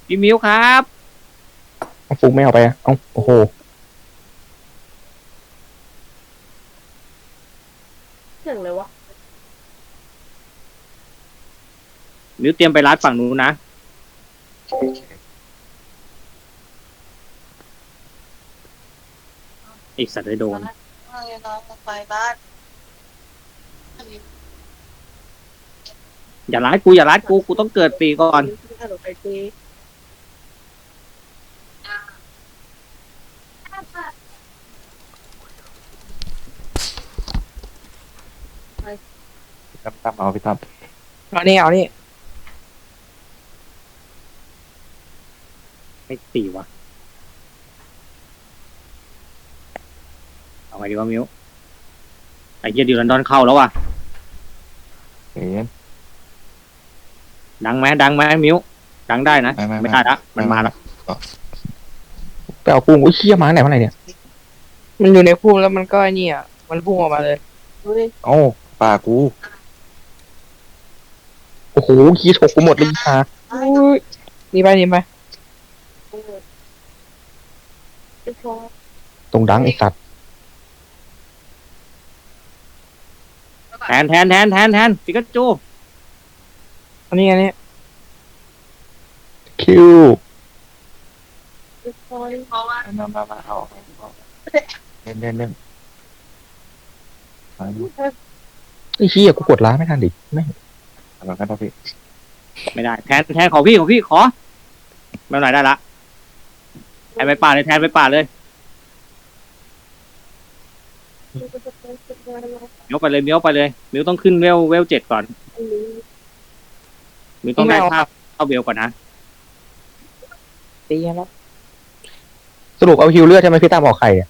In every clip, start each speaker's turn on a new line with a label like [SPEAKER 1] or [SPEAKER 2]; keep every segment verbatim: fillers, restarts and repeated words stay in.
[SPEAKER 1] พี่มิวครับ
[SPEAKER 2] เอาฟุกไม่เอาไปอ่ะเอ้าโอ้โห
[SPEAKER 3] เสียงเลยวะ
[SPEAKER 1] มิวเตรียมไปรัดฝั่งนู้นนะอีกสัตว์ได้โดน
[SPEAKER 3] ไปบ้าน
[SPEAKER 1] อย่ารัดกูอย่ารัดกูกูต้องเกิดตีก่อน
[SPEAKER 3] ไปตี
[SPEAKER 4] ตั้มตั้มเอาพี่ตั้ม
[SPEAKER 5] เอานี่เอานี่
[SPEAKER 1] ไม่ตีวะเอาไงดีวะมิวไอ้เหี้ยดิวลันดอนเข้าแล้วว่ะ
[SPEAKER 4] เห็น
[SPEAKER 1] ดังไหมดังไหมมิวดังได้นะ
[SPEAKER 4] ไม่ไม่ไม่
[SPEAKER 1] ไม่ได้ละมันมาแล้ว
[SPEAKER 2] ไปเอากุ้งอุ้ยเชี่ยมาไหนมาไหนเนี่ย
[SPEAKER 5] มันอยู่ในพุ่มแล้วมันก็ไอ้นี่อ่ะมันพุ่งออกมาเลย
[SPEAKER 3] ดูดิ
[SPEAKER 4] โอ้ป่ากู
[SPEAKER 2] โอ้โหขี้ฉกกูหมดเลยค่ะ
[SPEAKER 5] อุ้ยหนี่ไปหนี่ไป
[SPEAKER 2] ตรงดังไอสัตว์
[SPEAKER 1] แทนแทนแทนแทนแทนปิกาจู
[SPEAKER 5] อันนี้อันนี้
[SPEAKER 2] คิว
[SPEAKER 4] มามามาเอาเล่นเล่นเล่น
[SPEAKER 2] ไอ้เชี่ยกูกดล้าไม่ทันดิไม่
[SPEAKER 4] เอากันนะพี่
[SPEAKER 1] ไม่ได้แทนแทนของพี่ของพี่ขอไม่เป็นไรได้ละแทนไปป่าเลยแทนไปป่าเลยมิวไปเลยมิวไปเลยมิวต้องขึ้นเวลเวลเจ็ดก่อนมิวต้องได้ภาพเข้าเวลก่อนนะ
[SPEAKER 5] ตีแล้ว
[SPEAKER 2] สรุปเอาฮิวเลือดใช่ไหมพี่ตามออกไข่อะ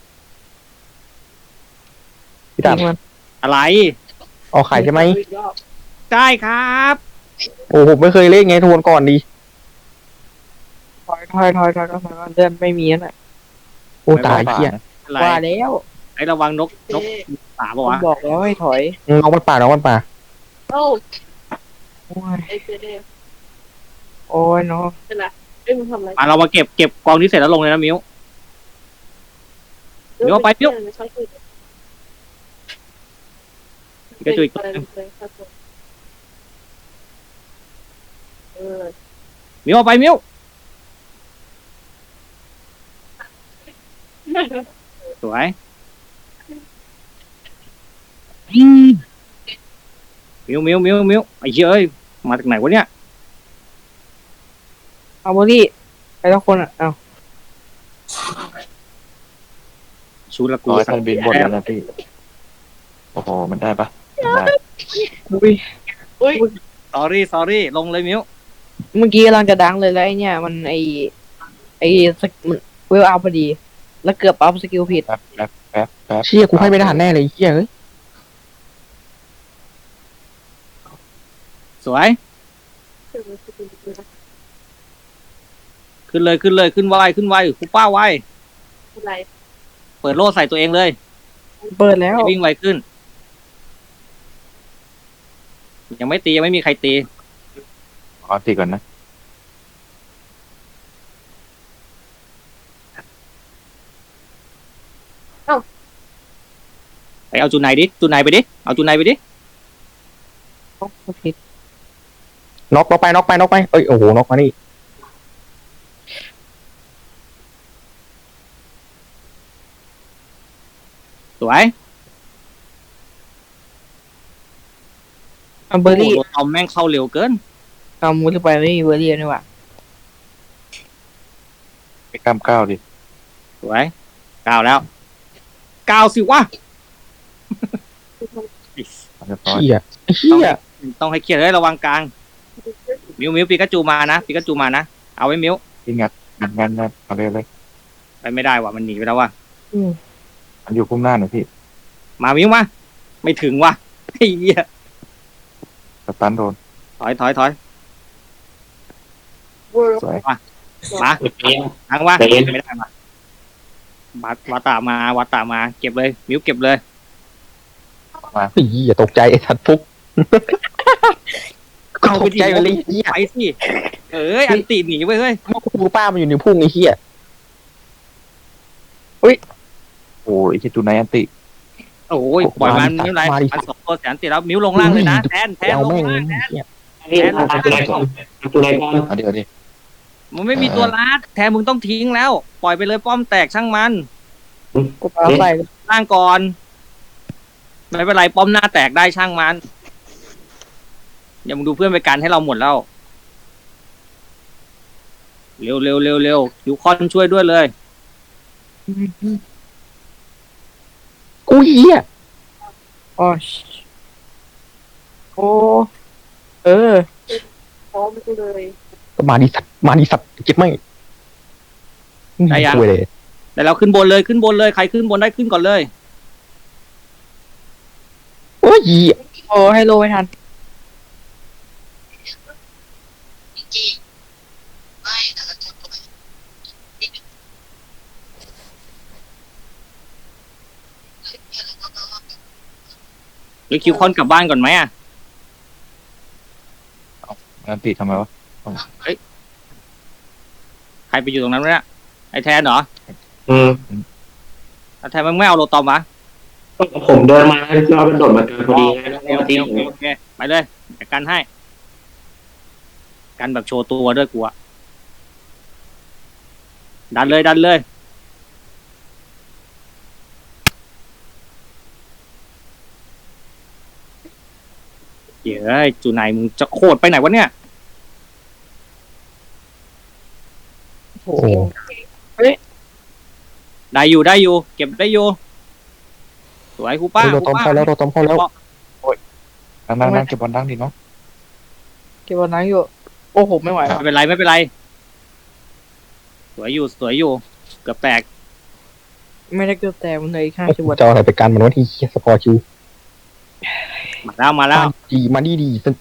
[SPEAKER 2] พี่ตาม
[SPEAKER 5] ตีมัน
[SPEAKER 1] อะไร
[SPEAKER 2] ออกไข่ใช่ไหม
[SPEAKER 1] ได้ครับ
[SPEAKER 2] โอ้โหไม่เคยเล่นไงทวนก่อนดี
[SPEAKER 5] ถอยถอยถอยถอยถอยถอยเดินไม่มีนั่นแหละ
[SPEAKER 2] โอ้ตายเชี่ย
[SPEAKER 1] อะไร
[SPEAKER 5] ว่าแล้ว
[SPEAKER 1] ไอ้ระวังนกนกป่าปะ
[SPEAKER 5] ผม
[SPEAKER 1] วะ
[SPEAKER 5] บอกแล้วให้ถอย
[SPEAKER 2] น้องมันป่าน้องมันป่า
[SPEAKER 3] โอ้
[SPEAKER 5] โอ้ย
[SPEAKER 3] ไอเจเดฟ
[SPEAKER 5] โอ้ยเนาะ
[SPEAKER 3] เป็นไรเอ้ยมึงทำอะไร
[SPEAKER 1] อ่ะเรามาเก็บเก็บกองที่เสร็จแล้วลงเลยนะมิว มิวเอาไปมิว ปิกาจูอีกตัวหนึง
[SPEAKER 3] เออ
[SPEAKER 1] มิวเอาไปมิวสวยมิวมิวมิวมิวไอ้เหี้ยเอ้ยมาจากไหนวะเนี่ย
[SPEAKER 5] เอาโบลี่ไปทุกคนอ่ะเอา
[SPEAKER 1] ชูละกู
[SPEAKER 4] ร้อยท่านบินบนแล้วนะพี่โอ้โหมันได้ปะได้
[SPEAKER 5] อุ้ย
[SPEAKER 3] อุ้ย
[SPEAKER 1] สอรี่สอรี่ลงเลยมิว
[SPEAKER 5] เมื่อกี้กำลังจะดังเลยแล้วไอเนี่ยมันไอไอสกมันเวลเอาพอดี แล้วเกือบอัพสกิลผิด
[SPEAKER 4] แป๊บแป๊บแป๊บแป๊บ
[SPEAKER 2] เชี่ยกูให้ไม่ทันแน่เลยเชี่ยเอ้ย
[SPEAKER 1] สวยขึ้นเลยขึ้นเลยขึ้นไวขึ้นไวคูป้าไว
[SPEAKER 3] อะไร
[SPEAKER 1] เปิดโล่ใส่ตัวเองเลย
[SPEAKER 5] เปิดแล้ว
[SPEAKER 1] ให้วิ่งไวขึ้น ยังไม่ตียังไม่มีใครตี
[SPEAKER 4] ขอตีก่อนนะ
[SPEAKER 1] ไปเอาจูไนดิจูไนไปดิเอาจูไนไปดิ
[SPEAKER 5] ผิด
[SPEAKER 2] น็อกน็อกไปน็อกไปน็อกไปเอ้ยโอ้โหน็อกมานี่
[SPEAKER 1] สวย
[SPEAKER 5] เอาเบอร์รี่
[SPEAKER 1] โโหทอมแม่งเข้าเร็วเกิน
[SPEAKER 5] เอามูลไปไม่มีเบอร์รี่นี่หว่า
[SPEAKER 4] ไปกล้ามก้าวดิ
[SPEAKER 1] สวยเก้าแล้วเก้าสิวะ
[SPEAKER 4] เรียบร้อย
[SPEAKER 2] เชี่ยไอ้เชี่ย
[SPEAKER 1] ต้องให้เครียดเลยระวังกลางมิวมิวปิกาจูมานะปิกาจูมานะเอาไว้มิว
[SPEAKER 4] พี่งัดงัดงัดงัดเอาเลยเลย
[SPEAKER 1] ไปไม่ได้ว่ะมันหนีไปแล้วว่ะ
[SPEAKER 5] อืม
[SPEAKER 4] มันอยู่พุ่มหน้าหน่อยพี่
[SPEAKER 1] มามิวมาไม่ถึงว่ะไอ้เหี้ย
[SPEAKER 4] สตันโดน
[SPEAKER 1] ถอยถอยถอย
[SPEAKER 3] เวอร์
[SPEAKER 4] สวย
[SPEAKER 1] มาทางว่าไม่ได้มาวัดวัดตามาวัดตามาเก็บเลยมิวเก็บเลย
[SPEAKER 2] ไอ้เหี้ยตกใจไอ้สัตว์ฟุก
[SPEAKER 1] เอาเอา
[SPEAKER 2] ต
[SPEAKER 1] ไป
[SPEAKER 2] ก
[SPEAKER 1] ดิ
[SPEAKER 2] ใจไปเลยไอ้เหี้ย
[SPEAKER 1] ไปสิเอ้ยอันตีหนีไปเฮ้ย
[SPEAKER 2] กูป้ามันอยู่ในพุ่งไอ้เหี้ย
[SPEAKER 4] โอ้ยที่ตูไนอันติ
[SPEAKER 1] โอ้ยปล่อยมันไม่เป็นไรมันสองตัวแสนตีแล้วมิ้วลงล่างเลยนะแทนแทน
[SPEAKER 2] เอา
[SPEAKER 1] ลง
[SPEAKER 2] แม่ง
[SPEAKER 1] ล่าง
[SPEAKER 2] ไอ้เหี้ย
[SPEAKER 6] นี่ทำตัวไหนก่อนทำตัวไหนก่อน
[SPEAKER 4] เอาเดี๋ยวดิ
[SPEAKER 1] มันไม่มีตัวลัดแทนมึงต้องทิ้งแล้ว ปล่อยไปเลยป้อมแตกช่างมัน
[SPEAKER 5] กูปาใส่
[SPEAKER 1] ล่างก่อนไม่เป็นไรป้อมหน้าแตกได้ช่างมันอย่ามึงดูเพื่อนไปกันให้เราหมดแล้วเร็วเร็วเร็วเร็วยูคอนช่วยด้วยเลย
[SPEAKER 2] กูเหี้ย
[SPEAKER 5] อ๋อโอ้เออ
[SPEAKER 3] พร้อมกูเลย
[SPEAKER 2] ก็มาดิสัตว์มาดิสัตว์เจ็บไหม
[SPEAKER 1] ได้ยัง
[SPEAKER 2] คุยเลย
[SPEAKER 1] แต่เราขึ้นบนเลยขึ้นบนเลยใครขึ้นบนได้ขึ้นก่อนเลย
[SPEAKER 2] โอ้ยเหี้ย
[SPEAKER 5] โอ้ให้โลไม่ทัน
[SPEAKER 1] หรือคิวคอนกลับบ้านก่อนไหมอ่ะ
[SPEAKER 4] อันติทำไมวะ
[SPEAKER 1] ใครไปอยู่ตรงนั้นวะเนี่ยไอ้แทนเหรอ
[SPEAKER 6] อืม
[SPEAKER 1] แล้วแทนมึงไม่เอาโลตอมวะ
[SPEAKER 6] ผมเดินมาแล้วมันโดดมาเกินพอดีไงแล้ว
[SPEAKER 1] โอ
[SPEAKER 6] ก็
[SPEAKER 1] เค
[SPEAKER 6] ทิ้ง
[SPEAKER 1] โอเคโอเคไปเลยจัดการให้ กันแบบโชว์ตัวด้วยกูอะดันเลยดันเลยเฮ้ยจูไหนมึงจะโคตรไปไหนวะเนี่ย
[SPEAKER 5] โอ้
[SPEAKER 2] โอ้
[SPEAKER 1] ได้อยู่ได้อยู่ เก็บได้อยู่สวยครูป้า
[SPEAKER 2] เรา
[SPEAKER 1] ครู
[SPEAKER 2] ตอม
[SPEAKER 1] ป้า
[SPEAKER 2] เข้าแล้วเราตอมเข้าแล้ว
[SPEAKER 4] นั่งนั่งนั่งเก็บบอลนั่งดิเนาะ
[SPEAKER 5] เก็บบอลนั่งอยู่ โอ้โหไม่ไหวว่ะ
[SPEAKER 1] ไม่เป็นไรไม่เป็นไร สวยอยู่สวยอยู่ เกือบแตก
[SPEAKER 5] ไม่ได้เกือบแตกมันเลยอีกห้าสิบวัน
[SPEAKER 2] จะเอาอะไรไปกันมันวะที่เหี้ยสปอร์ตชิว
[SPEAKER 1] มาแล้วมาแล้ว
[SPEAKER 2] ดีมาดีดีส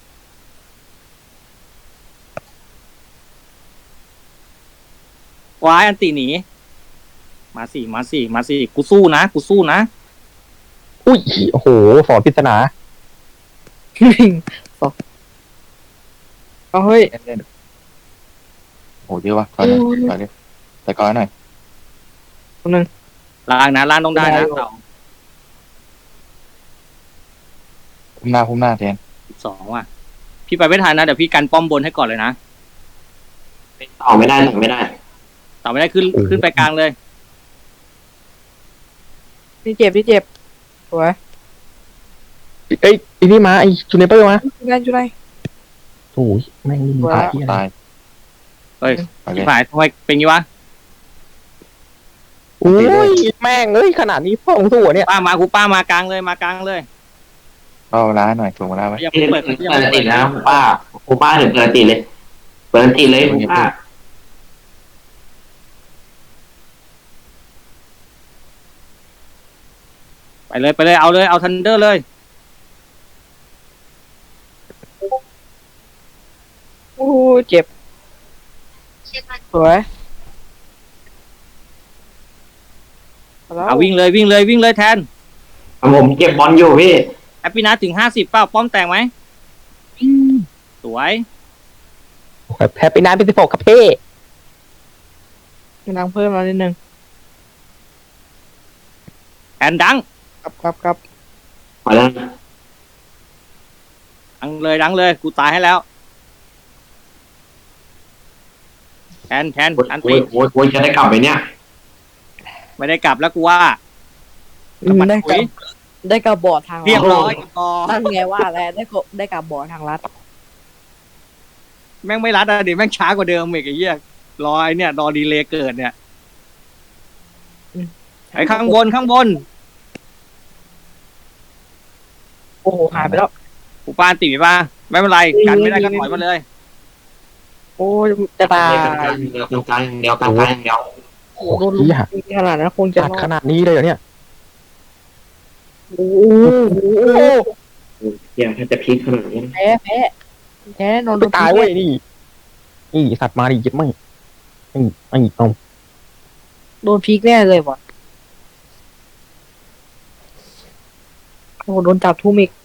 [SPEAKER 1] วายอันตีหนี มาสิมาสิมาสิกูสู้นะกูสู้นะ
[SPEAKER 2] อุ้ยโอ้โหสอนปริศนา
[SPEAKER 5] สองเอาเฮ้ย
[SPEAKER 4] เล่นเล่นโอ้เยอะวะถอยหน่อยถอยดิแต่ก่อนหน่อย
[SPEAKER 1] ล่างนะล่างต้องได้นะ
[SPEAKER 5] ได้อยู่
[SPEAKER 1] เต่า
[SPEAKER 4] พุ่มหน้าพุ่มหน้าแทน
[SPEAKER 1] สิบสองว่ะ พี่ไปไม่ทันนะเดี๋ยวพี่กันป้อมบนให้ก่อนเลยนะ
[SPEAKER 6] ต่อไม่ได้ต่อไม่ได้
[SPEAKER 1] ต่อไม่ได้ขึ้นขึ้นไปกลางเลย
[SPEAKER 5] นี่เจ็บนี่เจ็บสวย
[SPEAKER 2] เอ้ยไอ้นี่มาไอ้จูเนเปอร์มา
[SPEAKER 5] จุดไหนจุดไหน
[SPEAKER 2] โอ้ยแม่งมีพาที่อะไร
[SPEAKER 4] ตาย
[SPEAKER 1] เฮ้ย
[SPEAKER 4] ไปเล
[SPEAKER 1] พี่
[SPEAKER 4] ย
[SPEAKER 1] ฝ่ายทำไมเป็นงี้วะ
[SPEAKER 2] โอ้ยแม่งเอ้ยขนาดนี้พ่อของสู้อะเนี่ย
[SPEAKER 1] ป้ามาครูป้ามากลางเลยมากลางเลย
[SPEAKER 4] ก็ร้านหน่อยส่งมาได้ไหม
[SPEAKER 1] อย่า
[SPEAKER 6] เปิ
[SPEAKER 1] เพิ่
[SPEAKER 6] ด
[SPEAKER 1] งเปิดอย่า
[SPEAKER 6] เปิ
[SPEAKER 1] เพิ่
[SPEAKER 6] ด
[SPEAKER 1] ง
[SPEAKER 6] ติ
[SPEAKER 1] เปิ
[SPEAKER 6] ด
[SPEAKER 1] ด
[SPEAKER 6] นะคุณป้าคุณป้าถึงเปิดติดเลย เปิดติดเลยคุณป้า
[SPEAKER 1] ไปเลยไปเลยเอาเลยเอาทันเดอร์เลย
[SPEAKER 5] โอ้เจ็บสวยแล้ว
[SPEAKER 1] เอาวิ่งเลยวิ่งเลยวิ่งเลยแทน
[SPEAKER 6] ผมเก็บบอลอยู่พี่
[SPEAKER 1] แอปปี้นัทถึงห้าสิบเปล่าป้อมแตกไหมสวย
[SPEAKER 2] แพ้ไปนานเป็นสิบหกครับเพ่
[SPEAKER 5] กำลังเพิ่มมานิดนึง
[SPEAKER 1] แทนดัง
[SPEAKER 5] ครับครับครับ
[SPEAKER 6] ขอแล้ว
[SPEAKER 1] ดังเลยดังเลยกูตายให้แล้วแทนแทน
[SPEAKER 6] โอ้ย
[SPEAKER 1] อัน
[SPEAKER 6] โอ้
[SPEAKER 1] ตี
[SPEAKER 6] ยโอ้ยโอ้ยจะได้กลับไปเนี่ย
[SPEAKER 1] ไม่ได้กลับแล้วกูว่า
[SPEAKER 5] อืมได้กับได้กับบอร์ดทาง
[SPEAKER 1] เรียบ
[SPEAKER 5] ลัด
[SPEAKER 1] ร้อยพอ
[SPEAKER 5] ตั้งไงว่าแล้วได้กับได้กับบอร์ดทางลัด
[SPEAKER 1] แม่งไม่รัดอะดิแม่งช้ากว่าเดิมอีกไอ้เหี้ยรอไอ้เนี่ยรอดีเลย์เกิดเนี่ยไอ้ข้างบนข้างบน
[SPEAKER 5] โอ้โหหายไปแล้ว
[SPEAKER 1] กูป้านติมีป่ะไม่เป็นไรกันไม่ได้ก็ถอยมาเลย
[SPEAKER 5] โอ้ยจะตาย
[SPEAKER 6] เดียวกลางอย่างเดียวกลางกลางอย่างเดียว
[SPEAKER 2] โอ้
[SPEAKER 5] โดน
[SPEAKER 2] โห
[SPEAKER 5] ลุม
[SPEAKER 2] เหี้ย
[SPEAKER 5] ขนาดนั้นคงจะ
[SPEAKER 2] จัดขนาดนี้เลยเหรอเนี่ย
[SPEAKER 5] โอ้โห
[SPEAKER 6] เดี๋ยวถ้าจะพลิกขนาดนี้
[SPEAKER 5] แพ้แพ้แพ้นอนโด
[SPEAKER 2] ไม่
[SPEAKER 5] น
[SPEAKER 2] ตายเว้ยนี่นี่สัตว์มาดิเจ็บไหมไอ้ไอ้เอา
[SPEAKER 5] โดนพีกแน่เลยว่ะโอ้โหโดนจับทุ่มอีก